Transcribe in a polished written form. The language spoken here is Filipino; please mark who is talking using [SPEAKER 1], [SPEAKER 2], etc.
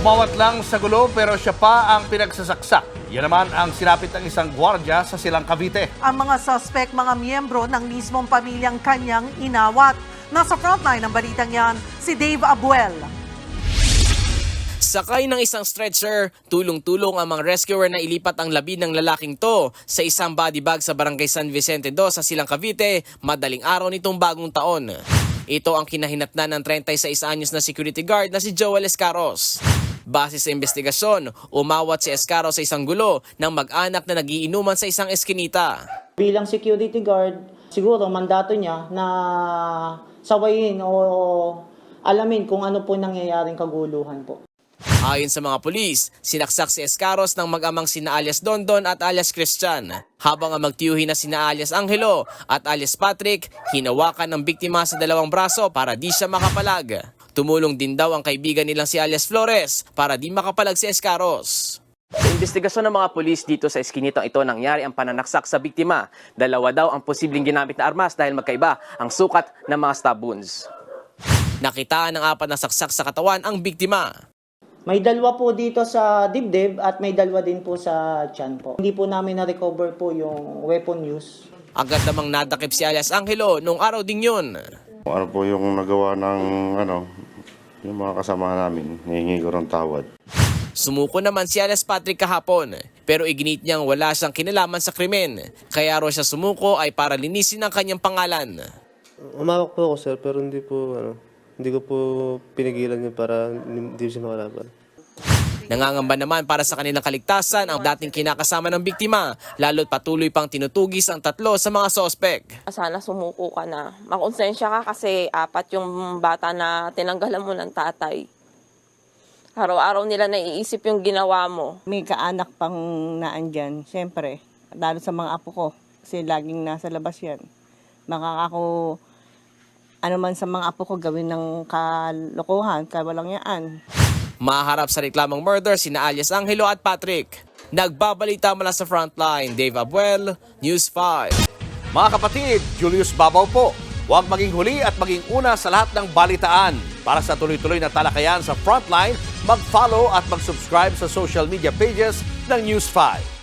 [SPEAKER 1] Umawat lang sa gulo pero siya pa ang pinagsasaksak. Yan naman ang sinapit ng isang gwardiya sa Silang Cavite.
[SPEAKER 2] Ang mga suspect, mga miyembro ng mismong pamilyang kanyang inawat. Nasa frontline ng balitang yan, si Dave Abuel.
[SPEAKER 3] Sakay ng isang stretcher, tulong-tulong ang mga rescuer na ilipat ang labi ng lalaking to sa isang body bag sa barangay San Vicente 2 sa Silang Cavite, madaling araw nitong bagong taon. Ito ang kinahinatnan ng 36 anyos na security guard na si Joel Escaros. Base sa investigasyon, umawat si Escaros sa isang gulo ng mag-anak na nagiinuman sa isang eskinita.
[SPEAKER 4] Bilang security guard, siguro mandato niya na sawayin o alamin kung ano po nangyayaring kaguluhan po.
[SPEAKER 3] Ayon sa mga pulis, sinaksak si Escaros ng mag-amang sina alias Dondon at alias Christian. Habang ang magtiyuhin na sina alias Angelo at alias Patrick, hinawakan ng biktima sa dalawang braso para di siya makapalag. Tumulong din daw ang kaibigan nilang si alias Flores para di makapalag si Escaros. Sa investigasyon ng mga pulis dito sa eskinitang ito nangyari ang pananaksak sa biktima. Dalawa daw ang posibleng ginamit na armas dahil magkaiba ang sukat ng mga stab wounds. Nakitaan ng 4 na saksak sa katawan ang biktima.
[SPEAKER 4] May dalawa po dito sa dibdib at may dalawa din po sa tiyan po. Hindi po namin na-recover po yung weapon use.
[SPEAKER 3] Agad namang nadakip si alias Angelo nung araw ding yun.
[SPEAKER 5] Ano po yung nagawa ng yung mga kasama namin, hihingi ko ng tawad.
[SPEAKER 3] Sumuko naman si alias Patrick kahapon, pero iginit niyang wala siyang kinalaman sa krimen. Kaya raw siya sumuko ay para linisin ang kanyang pangalan.
[SPEAKER 6] Umawak po ako, sir, pero hindi ko po pinigilan niya para hindi siya makalaban.
[SPEAKER 3] Nangangamba naman para sa kanilang kaligtasan ang dating kinakasama ng biktima, lalo't patuloy pang tinutugis ang 3 sa mga sospek.
[SPEAKER 7] Sana sumuko ka na. Makonsensya ka kasi 4 yung bata na tinanggalan mo ng tatay. Araw-araw nila naiisip yung ginawa mo.
[SPEAKER 8] May kaanak pang naandyan, siyempre, lalo sa mga apo ko, kasi laging nasa labas yan. Makakako, ano man sa mga apo ko gawin ng kalokohan, kawalangyaan.
[SPEAKER 3] Maharap sa reklamong murder sina alias Angelo at Patrick. Nagbabalita mula sa frontline, Dave Abuel, News 5.
[SPEAKER 1] Mga kapatid, Julius Babaw po. Huwag maging huli at maging una sa lahat ng balitaan. Para sa tuloy-tuloy na talakayan sa frontline, mag-follow at mag-subscribe sa social media pages ng News 5.